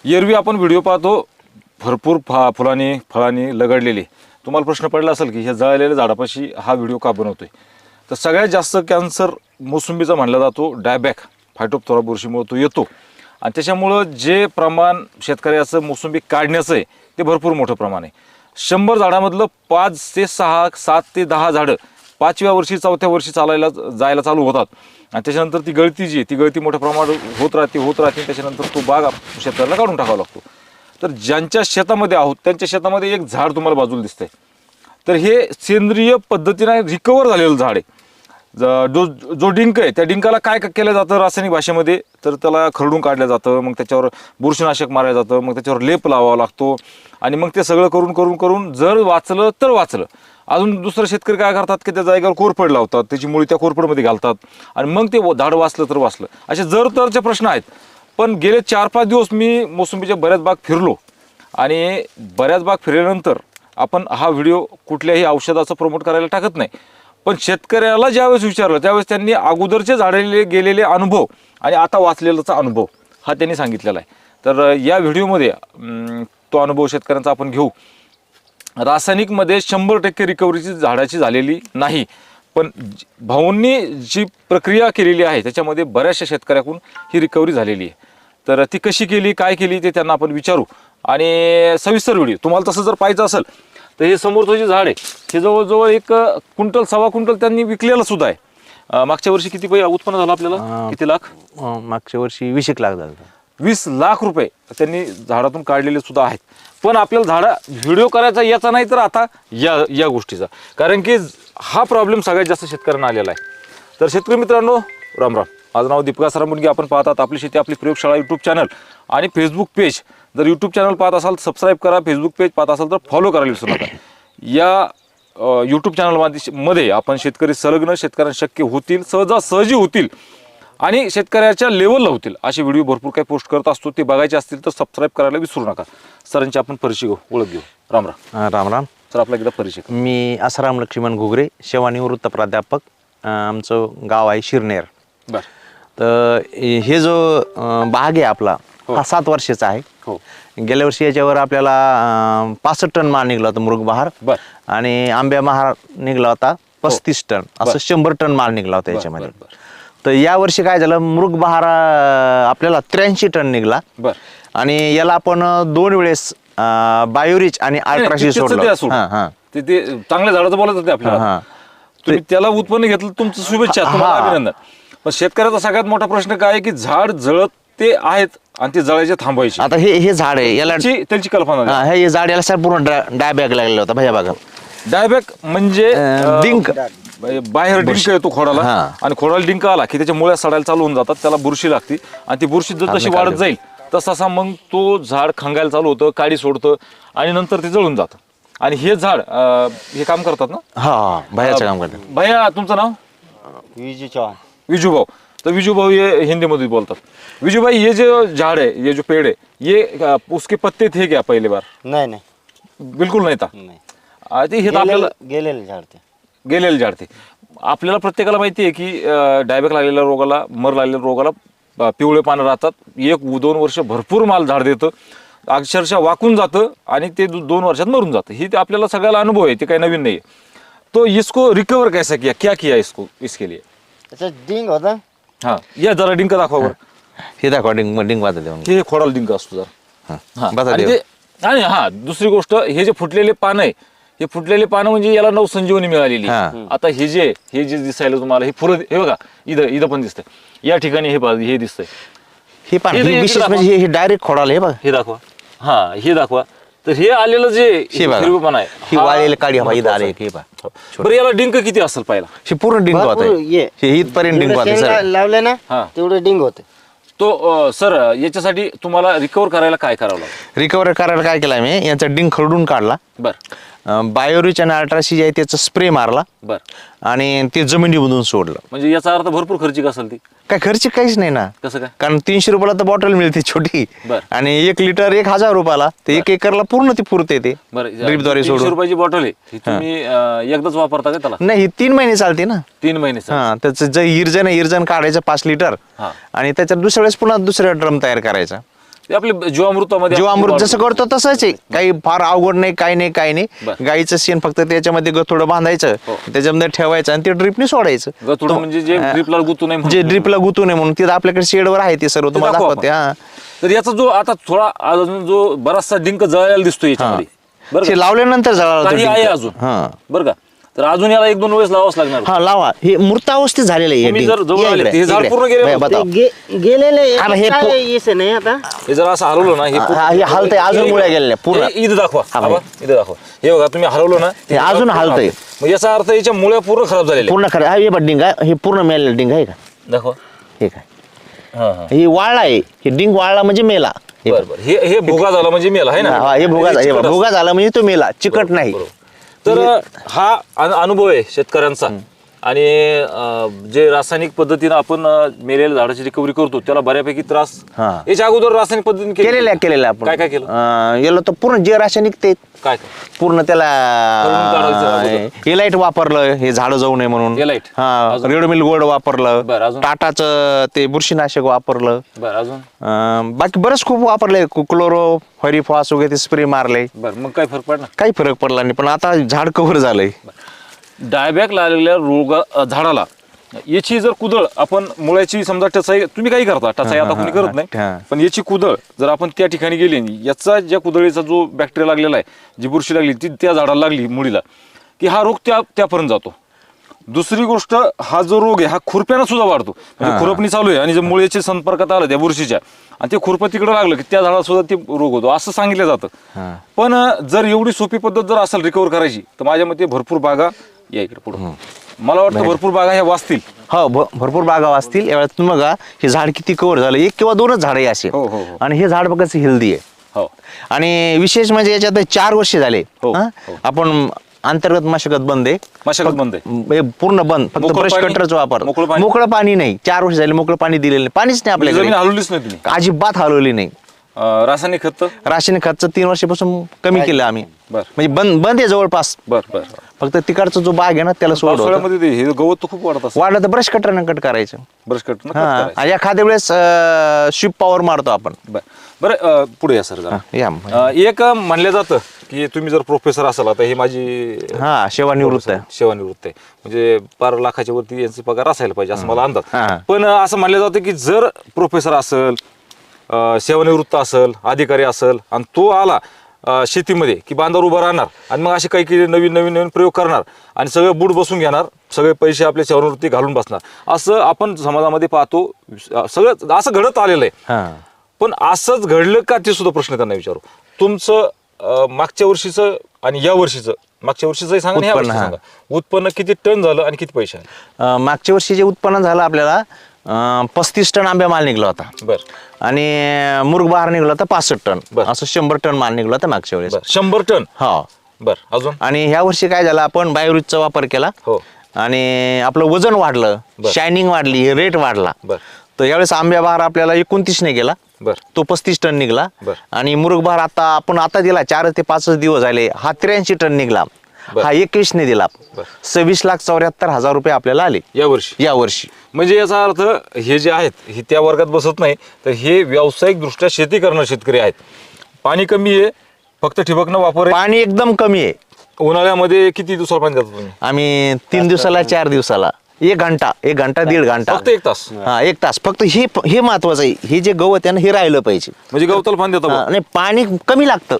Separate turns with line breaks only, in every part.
एरवी आपण व्हिडिओ पाहतो भरपूर फुलांनी फळांनी लगडलेले. तुम्हाला प्रश्न पडला असेल की ह्या जळलेल्या झाडापाशी हा व्हिडिओ का बनवतोय. तर सगळ्यात जास्त कॅन्सर मोसंबीचा म्हणला जातो डायबॅक फायटोप्थोरा बुरशीमुळे तो येतो आणि त्याच्यामुळं जे प्रमाण शेतकऱ्याचं मोसंबी काढण्याचं आहे ते भरपूर मोठं प्रमाण आहे. 100 झाडामधलं 5 ते 6 7 ते 10 झाडं 5व्या वर्षी 4थ्या वर्षी जायला चालू होतात आणि त्याच्यानंतर ती गळती जी आहे ती गळती मोठ्या प्रमाणात होत राहते. त्याच्यानंतर तो बाग शेतकऱ्याला काढून टाकावा लागतो. तर ज्यांच्या शेतामध्ये आहोत त्यांच्या शेतामध्ये एक झाड तुम्हाला बाजूला दिसतंय. तर हे सेंद्रिय पद्धतीने रिकवर झालेलं झाड आहे. जो डिंक आहे त्या डिंकाला काय केलं जातं रासायनिक भाषेमध्ये, तर त्याला खरडून काढलं जातं, मग त्याच्यावर बुरशीनाशक मारलं जातं, मग त्याच्यावर लेप लावावा लागतो आणि मग ते सगळं करून जर वाचलं तर वाचलं. अजून दुसरं शेतकरी काय करतात की त्या जागेवर कोरफड लावतात, त्याची मुळी त्या कोरफडमध्ये घालतात आणि मग ते झाड वाचलं तर वाचलं. असे जर तरचे प्रश्न आहेत. पण गेले 4-5 दिवस मी मोसंबीच्या बऱ्याच बाग फिरलो आणि बऱ्याच बाग फिरल्यानंतर आपण हा व्हिडिओ कुठल्याही औषधाचं प्रमोट करायला टाकत नाही, पण शेतकऱ्याला ज्यावेळेस विचारलं त्यावेळेस त्यांनी अगोदरचे झाडले गेलेले अनुभव आणि आता वाचलेलाचा अनुभव हा त्यांनी सांगितलेला आहे. तर या व्हिडिओमध्ये तो अनुभव शेतकऱ्यांचा आपण घेऊ. रासायनिकमध्ये 100% रिकव्हरीची झाडाची झालेली नाही, पण भाऊंनी जी प्रक्रिया केलेली आहे त्याच्यामध्ये बऱ्याचशा शेतकऱ्याकडून ही रिकव्हरी झालेली आहे. तर ती कशी केली काय केली ते त्यांना आपण विचारू आणि सविस्तर व्हिडिओ. तुम्हाला तसं जर पाहिजे असेल तर हे समोरचं जे झाड आहे हे जवळजवळ 1 क्विंटल 1.25 क्विंटल त्यांनी विकलेलं सुद्धा आहे. मागच्या वर्षी किती उत्पन्न झालं आपल्याला? किती लाख?
मागच्या वर्षी 20 लाख झालं.
20 लाख रुपये त्यांनी झाडातून काढलेले सुद्धा आहेत. पण आपल्याला व्हिडिओ करायचा याचा नाही तर आता या गोष्टीचा, कारण की हा प्रॉब्लेम सगळ्यात जास्त शेतकऱ्यांना आलेला आहे. तर शेतकरी मित्रांनो राम राम. माझं नाव दीपिका सरामुंडगे. आपण पाहतात आपली शेती आपली प्रयोगशाळा यूट्यूब चॅनल आणि फेसबुक पेज. जर यूट्यूब चॅनल पाहत असाल तर सबस्क्राईब करा, फेसबुक पेज पाहत असाल तर फॉलो करायला विसरू नका. या यूट्यूब चॅनलमध्ये आपण शेतकरी संलग्न, शेतकऱ्यांना शक्य होतील, सहजासहजी होतील आणि शेतकऱ्याच्या लेवलला होतील असे व्हिडिओ भरपूर काही पोस्ट करत असतो. ते बघायचे असतील तर सबस्क्राईब करायला विसरू नका. सरांची आपण परिचय घेऊ, ओळख घेऊ. राम राम.
राम राम
सर, आपला एकदा परिचय.
मी आसाराम लक्ष्मण घुगरे, सेवानिवृत्त प्राध्यापक. आमचं गाव आहे शिरनेर.
बरं.
तर हे जो बाग आहे आपला हा 7 वर्षाचा आहे.
हो.
गेल्या वर्षी याच्यावर आपल्याला 65 टन माल निघला होता मृग बहार आणि आंब्या महार निघला होता 35 टन, असं 100 टन माल निघला होता याच्यामध्ये. तर या वर्षी काय झालं, मृग बहार आपल्याला 83 टन निघला आणि याला आपण 2 वेळेस बायोरिच आणि अल्ट्राशी सोडलं.
ते चांगल्या झाडाचं बोलत होते आपल्याला. तुम्ही त्याला उत्पन्न घेतलं, तुमचं शुभेच्छा, तुम्हाला अभिनंदन. पण शेतकऱ्याचा सगळ्यात मोठा प्रश्न काय आहे की झाड जळत ते आहेत आणि ते जळायचे थांबवायचे.
आता हे झाड आहे याला
त्यांची कल्पना
हे झाड याला सर पूर्ण डायबॅक लागलेला होता भैया बघा.
डायबॅक म्हणजे
डिंक,
बाहेर डिंक येतो खोडाला आणि खोडाला डिंक आला की त्याच्या मुळ्या सडायला चालू होऊन जातात, त्याला बुरशी लागते आणि ती बुरशी जर तशी वाढत जाईल तसा मग तो झाड खंगायला चालू होतं, काडी सोडतं आणि नंतर ते जळून जातं. आणि हे झाड हे काम करतात ना?
हा, भैयाचं काम करतात.
भैया, तुमचं नाव?
विजू चौहान.
विजू भाऊ. तर विजू भाऊ ये हिंदी मध्ये बोलतात. विजू भाई, ये जो झाड़ है, ये जो पेड़ है, ये उसके पत्ते थे क्या पहली बार?
नाही
बिलकुल नाही था. हे तर आपल्याला
गेलेले झाड ते
गेलेले झाड ते आपल्याला प्रत्येकाला माहिती आहे की डायबॅक लागलेल्या रोगाला, मर लागलेल्या रोगाला पिवळे पानं राहतात. 1-2 वर्ष भरपूर माल झाड देतं, अक्षरशः वाकून जातं आणि ते 2 वर्षात मरून जातं. ही आपल्याला सगळ्याला अनुभव आहे, ते काही नवीन नाही. तो इसको रिकवर कैसा किया, क्या किया इसको, इसके लिए?
त्याचा डिंग होता.
हा, या जरा डिंक दाखवा बरं.
हे दाखवा डिंक वाजत
हे खोडाला डिंक असतो जरा. आणि हा, दुसरी गोष्ट, हे जे फुटलेले पानं आहे, हे फुटलेले पानं म्हणजे याला नवसंजीवनी मिळालेली. आता हे जे दिसायला तुम्हाला हे फुलं, हे बघा इथं पण दिसतंय, या ठिकाणी हे दिसतंय.
हे विशेष म्हणजे हे डायरेक्ट खोडाला. हे बघा,
हे दाखवा. हा, हे दाखवा. तर हे आलेलं जे हिरवेपणा आहे,
ही वाळलेली काडी हवा इथं आले. हे बघा.
बरं, याला डिंक किती असेल पाहिला?
हे पूर्ण डिंक होत आहे. हे इथपर्यंत डिंक होत आहे.
लावले ना तेवढं डिंग होते.
तो सर, याच्यासाठी तुम्हाला रिकवर करायला काय करावं लागतं?
रिकवर करायला काय केलं मी, याचा डिंक खरडून काढला.
बरं.
बायोरिच आणि अल्ट्राशी जे आहे त्याचा स्प्रे मारला.
बरं.
आणि ते जमिनीमधून सोडलं.
म्हणजे याचा अर्थ भरपूर खर्चिक असेल ती?
काय खर्च काहीच नाही ना.
कसं काय?
कारण 300 रुपयाला तर बॉटल मिळते छोटी आणि 1 लिटर 1000 रुपयाला. ते 1 एकरला पूर्ण ती पुरते. ते ड्रीपद्वारे
300 रुपयाची बॉटल आहे, तुम्ही एकदाच वापरता का त्याला?
नाही, 3 महिने चालते ना.
3 महिने.
हा, त्याचं जे इर्जन काढायचं 5 लिटर आणि त्याच्यात दुसऱ्या वेळेस पुन्हा दुसरा ड्रम तयार करायचा.
ते आपले जीवामृतामध्ये
जीवामृत जसं करतो तसंच आहे, काही फार अवघड नाही, काही नाही, काही नाही.
बरं.
गाईचं शेण फक्त त्याच्यामध्ये गथोडं बांधायचं, त्याच्यामध्ये ठेवायचं आणि ते ड्रिपने सोडायचं.
गतुडं म्हणजे जे ड्रिपला गुतू नये
जे ड्रिपला गुतू नये म्हणून तिथं आपल्याकडे शेडवर आहे ते सर्व तुम्हाला
दाखवा
दाखवते. हा
तर याचा जो आता थोडा अजून जो बराचसा डिंक जळायला दिसतो याच्यामध्ये बरं
ते
का?
लावल्यानंतर जळाला तो
काही आहे
डिंक.
अजून
हा
बरं का? तर अजून याला 1-2 वेळेस लावाच लागणार.
हा लावा, हे मृतावस्थेत झालेलं आहे हे
तुम्ही
डिंक.
जर जवळ
या
आले,
इकडे,
ते झाड
इकडे.
पूर्ण गेले
बाई,
बघा.
बताव.
गेलेले
हा ना, हे
येसे नाही आता.
हे जर असं हलवलं ना
हे हलतंय, अजून मुळ्या गेलेल्या पूर्ण.
हे इथं दाखवा.
हा,
आबा, इथं दाखवा. हे बघा तुम्ही हलवलं ना
हे अजून हलतंय.
मग याचा अर्थ याच्या मुळ्या पूर्ण खराब झालेल्या
पूर्ण खरं. हा हे बघ डिंग आहे, हे पूर्ण मेलेलं डिंग आहे का?
आहेत. दाखवा.
हे काय,
हा हा
हे वाळला आहे, हे डिंग वाळला म्हणजे मेला. हे
बरं बरं. हे भुगा झाला म्हणजे मेला आहे ना.
हा, हे भुगा
चिकट असतं.
भुगा झाला म्हणजे तो मेला, चिकट नाही.
बरोबर. तर हा अनुभव आहे शेतकऱ्यांचा. आणि जे रासायनिक पद्धतीनं आपण मेलेल्या झाडाची रिकव्हरी करतो त्याला बऱ्यापैकी त्रास
हा.
याच्या अगोदर रासायनिक पद्धतीने
केलेल्या आपण.
काय केलं?
याला तर पूर्ण जे रासायनिक ते
काय
पूर्ण त्याला
करून काढायचं
एलाइट वापरलं, हे झाड जाऊ नये म्हणून.
एलाइट.
हा, रेडमिल गोल्ड वापरलं,
बरं, अजून?
टाटाचं ते बुरशीनाशक वापरलं.
बरं अजून
बाकी बरंच खूप वापरले, क्लोरो फॉस वगैरे ते स्प्रे मारले.
बरं मग काय फरक पडला?
काही फरक पडला नाही, पण आता झाड कव्हर झालंय.
डायबॅक लागलेल्या झाडाला याची जर कुदळ आपण मुळ्याची समजा टचाई तुम्ही काही करता, टचाई आता कोणी करत नाही,
हा.
पण याची कुदळ जर आपण त्या ठिकाणी गेली, याचा ज्या कुदळीचा जो बॅक्टेरिया लागलेला आहे, जी बुरशी लागली ती त्या झाडाला लागली मुळीला, की हा रोग त्यापर्यंत जातो. दुसरी गोष्ट, हा जो रोग आहे हा खुरप्यानं सुद्धा वाढतो. म्हणजे खुरपणी चालू आहे आणि जे मुळ्याच्या संपर्कात आलं त्या बुरशीच्या आणि ते खुरपं तिकडे लागलं की त्या झाडाला सुद्धा ते रोग होतो असं सांगितलं जातं. पण जर एवढी सोपी पद्धत जर असेल रिकव्हर करायची तर माझ्या मते भरपूर बागा या इकडे पुढे मला वाटतं भरपूर बागा ह्या वाचतील.
हो, भरपूर बागा असतील. यावेळेस तुम्ही बघा हे झाड किती कव्हर झालं, 1 किंवा 2च झाड आहे असे.
हो, हो, हो.
आणि हे झाड बघायचं हेल्दी आहे.
हो
आणि विशेष म्हणजे याच्यात 4 वर्ष झाले.
हो,
हा?
हो.
आपण अंतर्गत मशागत बंद आहे,
मशागत बंद आहे.
हे पूर्ण बंद, फक्त
मोकळं
ब्रश
पाणी?
कटरच वापर.
मोकळं पाणी?
मोकळं पाणी नाही, 4 वर्ष झाले मोकळं पाणी दिलेलं नाही, पाणीच नाही
म्हणजे जमीन
आपल्याकडे,
हलवलीच नाही तुम्ही.
अजिबात हलवली नाही.
रासायनिक खत
रासायनिक खर्च 3 वर्षापासून कमी केलं आम्ही.
बर
म्हणजे बंद आहे जवळपास.
बर बर.
फक्त तिकडचा जो बाग आहे ना त्याला सोडवलं.
पावसाळ्यामध्ये ते हे गवत तर खूप वाढत असतं.
वाढलं तर ब्रश कटरनं कट करायचं.
ब्रश कट
हा, आणि एखाद्या वेळेस शिप पॉवर मारतो आपण.
बरं पुढे या सर जरा.
या
एक म्हणलं जातं की तुम्ही जर प्रोफेसर असाल, आता हे माझी
हा सेवानिवृत्त आहे.
सेवानिवृत्त आहे, म्हणजे 12 लाखाच्या वरती यांचे पगार असायला पाहिजे असं मला अंदाज.
हा.
पण असं म्हणलं जातं की जर प्रोफेसर असेल, सेवानिवृत्त असेल, अधिकारी असेल आणि तो आला शेतीमध्ये की बांधावर उभा राहणार आणि मग असे काही नवीन प्रयोग करणार आणि सगळं बूट बसून घेणार, सगळे पैसे आपल्या सेवानिवृत्ती घालून बसणार, असं आपण समाजामध्ये पाहतो. सगळं असं घडत आलेलं आहे.
हा.
पण असंच घडलं का ते सुद्धा प्रश्न त्यांना विचारू. तुमचं मागच्या वर्षीचं आणि या वर्षीचं, मागच्या वर्षीचंही सांगा आणि ह्या
उत्पन्न,
वर्षीचं सांगा, उत्पन्न किती टन झालं आणि किती पैसे आले?
मागच्या वर्षी जे उत्पन्न झालं आपल्याला 35 टन आंब्या माल निघला होता.
बरं
आणि मुर्ग बहार निघला होता 65 टन.
बरं.
असं 100 टन माल निघला होता मागच्या वेळेस.
बरं 100 टन.
हा.
बरं अजून?
आणि ह्या वर्षी काय झालं, आपण बायोरिजचा वापर केला.
हो.
आणि आपलं वजन वाढलं,
बरं.
शायनिंग वाढली, रेट वाढला.
बरं
तर यावेळेस आंब्या बहार आपल्याला 29 ने गेला.
बरं
तो 35 टन निघला.
बरं.
आणि मुरुग बहार आता दिला 4 ते 5 दिवस झाले, हा 83 टन निघला.
बरं.
हा 21 ने दिला.
बरं.
26,74,000 रुपये आपल्याला आले
या वर्षी. म्हणजे याचा अर्थ हे जे आहेत हे त्या वर्गात बसत नाही, तर हे व्यावसायिक दृष्ट्या शेती करणारे शेतकरी आहेत. पाणी कमी आहे, फक्त ठिबकनं वापर आहे.
पाणी एकदम कमी आहे.
उन्हाळ्यामध्ये किती दिवसाला पाणी देता तुम्ही?
आम्ही 3 दिवसाला 4 दिवसाला 1 घंटा 1.5 घंटा,
फक्त 1 तास.
हा 1 तास फक्त. हे महत्वाचं आहे, हे जे गवत आहे ना हे राहिलं पाहिजे.
म्हणजे गवताला पाणी देता बुवा.
नाही, पाणी कमी लागतं.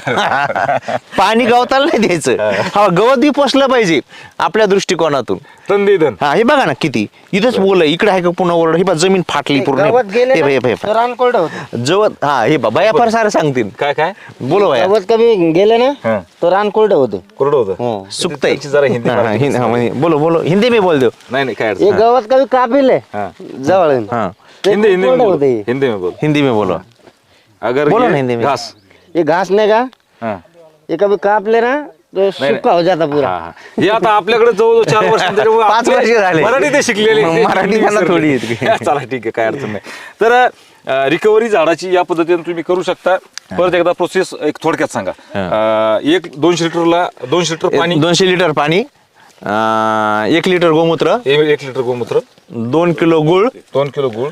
पाणी गवताला नाही द्यायचं. हा गवत बी पोचलं पाहिजे आपल्या दृष्टिकोनातून.
तण दे धन.
हा हे बघा ना किती इथंच बोल इकडे आहे का पुन्हा ओरड, हे बा जमीन फाटली पूर्ण.
गवत गेले
हे
ना,
बाई,
तर रानकोरडं होतं.
जवळ हा हे बाबा या फार सारं सांगतील.
काय
बोलो बाया.
गवत कमी गेले ना
हा.
तर रानकोरडं होतं.
कोरडं होतं.
हो.
सुकतंय.
त्यांची जरा हिंदी
हा,
मराठी
हिंदी- हा, म्हणजे बोलो हिंदी में बोल दो.
नाही काय अडचण
हे
नाही.
गवत कमी कापिले
हाँ.
जवळ
हा
ते
हिंदी में
कोरडं
बोलो.
होतं हे.
हिंदी में बोलो.
हिंदी में बोलो.
अगर
बोलो
ये
ना हिंदी में.
घास.
ये घास नहीं का,
हाँ.
ये कभी काप ले ना तो सूखा हो जाता पूरा.
हा, हा. हे आता आपल्याकडे जवळ 4 वर्ष त्याच्यामुळे
5 वर्ष झाले.
मराठी ते शिकलेले.
मराठी त्यांना थोडी येते.
चला ठीक आहे, काय अडचण नाही. तर रिकव्हरी झाडाची या पद्धतीने तुम्ही करू शकता. परत एकदा प्रोसेस एक थोडक्यात सांगा. 200 लिटरला 200 लिटर पाणी,
200 लिटर पाणी 1 लिटर गोमूत्र,
1 लिटर गोमूत्र,
2 किलो गुळ,
2 किलो गुळ,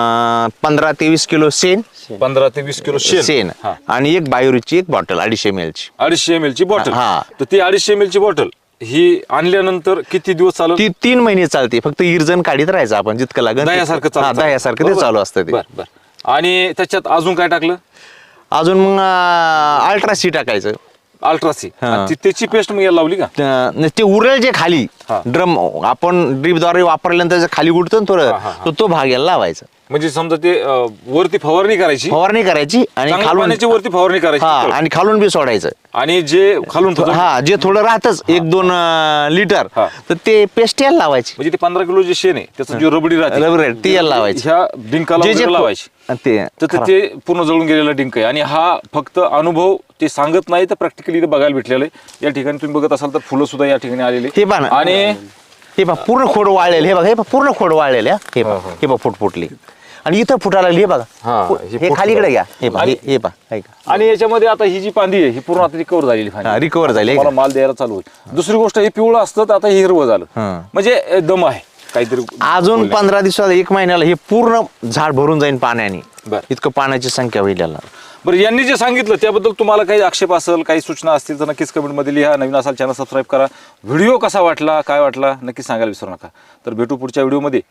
15 ते 20 किलो शेण,
15 ते 20 किलो
शेण
हा.
आणि एक बायोरीची एक बॉटल 250 ml ची.
250 ml ची बॉटल.
हा.
तर ती 250 ml ची बॉटल ही आणल्यानंतर किती दिवस चालू?
ती 3 महिने चालते. फक्त इरजण काढीत राहायचं आपण जितकं लागेल.
दह्यासारखं चालतं.
दह्यासारखं ते
बरोबर.
चालू असतं ते.
बर बर. आणि त्याच्यात अजून काय टाकलं?
अजून मग अल्ट्रासी टाकायचं.
अल्ट्रासी.
हा.
आणि त्याची पेस्ट मग याला लावली का?
ते उरेल जे खाली
हा.
ड्रम आपण ड्रीपद्वारे वापरल्यानंतर जे खाली उडतो ना
हा, हा,
थोडं, तो भाग याला लावायचा.
म्हणजे समजा ते वरती फवारणी करायची,
फवारणी करायची आणि
चांगल्या
खालून
पाण्याची वरती फवारणी
हा
करायची.
आणि खालून बी सोडायचं.
आणि जे खालून म्हणजे
हा जे थोडं राहतच 1-2 लिटर
हा.
तर ते पेस्ट याला लावायची.
ते 15 किलो जे शेण आहे त्याचं जे रबडी राहते
रबडी ती याला लावायची.
ह्या डिंकाला
जे- जे
वगैरे लावायची.
ते
तर ते पूर्ण जळून गेलेला डिंक आहे. आणि हा फक्त अनुभव ते सांगत नाही, तर प्रॅक्टिकली इथे बघायला भेटलेलं आहे. या ठिकाणी तुम्ही बघत असाल तर फुलं सुद्धा या ठिकाणी आलेली
हे पहा ना.
आणि
हे बघा पूर्ण खोड वाळलेले. हे बघा हे बघा पूर्ण खोड वाळलेले. हे बघा हे बघा फुट फुटली आणि इथं फुटायला लागली. हे बघा
हा, हे
हे
फुट
खालीकडे घ्या. हे पहा
आणि-
हे पहा ऐका.
आणि याच्यामध्ये आता ही जी पांदी आहे ही पूर्ण आता रिकवर झालेली
हा, recover झाली आहे
मला
का?
माल द्यायला चालू होईल. दुसरी गोष्ट हे पिवळं असतं तर आता हे हिरवं झालं.
हा.
म्हणजे दम आहे काहीतरी.
अजून 15 दिवसात 1 महिन्याला हे पूर्ण झाड भरून जाईल पाण्याने.
बरं.
इतकं पाण्याची संख्या होईल याला.
बरं, यांनी जे सांगितलं त्याबद्दल तुम्हाला काही आक्षेप असेल, काही सूचना असतील तर नक्कीच कमेंटमध्ये लिहा. नवीन असाल चॅनल सबस्क्राईब करा. व्हिडिओ कसा वाटला, काय वाटला नक्की सांगायला विसरू नका. तर भेटू पुढच्या व्हिडिओमध्ये.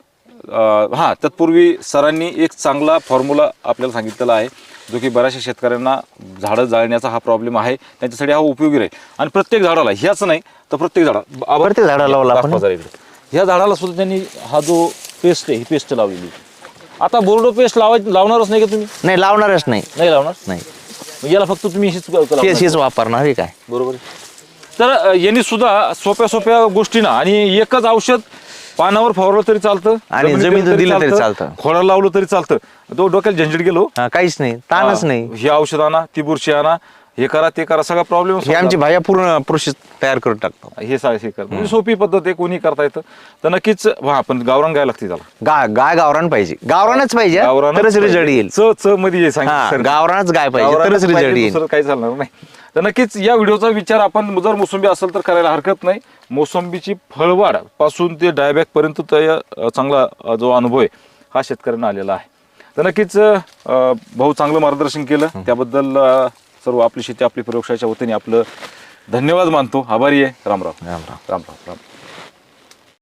हां, तत्पूर्वी सरांनी एक चांगला फॉर्म्युला आपल्याला सांगितलेला आहे जो की बऱ्याचशा शेतकऱ्यांना झाडं जाळण्याचा हा प्रॉब्लेम आहे, त्यांच्यासाठी हा उपयोगी राहील. आणि प्रत्येक झाडाला ह्याच नाही तर प्रत्येक
प्रत्येक झाडाला लावला आपण.
ह्या झाडाला सुद्धा त्यांनी हा जो पेस्ट आहे ही पेस्ट लावलेली. आता बोर्डो पेस्ट लावणारच नाही का तुम्ही?
नाही लावणारच नाही.
नाही लावणार.
नाही
मग याला फक्त तुम्ही लावणार.
हेच वापरणार आहे काय.
बरोबर आहे. तर यांनी सुद्धा सोप्या सोप्या गोष्टीनं आणि एकच औषध पानावर फवारलं तरी चालतं
आणि जमिनीत दिलं तरी चालतं.
खोडाला लावलं तरी चालतं. तो डोक्याला झंझट गेलो
हा, काहीच नाही, ताणच नाही.
हे औषध आणा, ती बुरशी आणा, हे करा ते करा, सगळा प्रॉब्लेम
हे आमची भाया पूर्ण प्रोसेस तयार करून टाकतो.
हे कर म्हणजे सोपी पद्धत आहे, कोणी करता येतं. तर नक्कीच पण गावरान गाय लागते त्याला.
गाय गावरान पाहिजे. गावरानच पाहिजे
गावरानच
तरच
पाहिजे.
रिझल्ट येईल.
च मध्ये
हा,
सांगितलं.
गावरानच गाय पाहिजे
गावरानच
तरच रिझल्ट
पाहिजे,
येईल.
दुसरं काही चालणार नाही. तर नक्कीच या व्हिडिओचा विचार आपण जर मोसंबी असेल तर करायला हरकत नाही. मोसंबीची फळवाढ पासून ते डायबॅक पर्यंत चांगला जो अनुभव आहे हा शेतकऱ्यांना आलेला आहे. तर नक्कीच भाऊ चांगलं मार्गदर्शन केलं त्याबद्दल सर्व आपली शेती आपली प्रयोगशाळेच्या वतीने आपलं धन्यवाद मानतो. आभारी आहे. रामराव.
राम राम.
राम राम राम.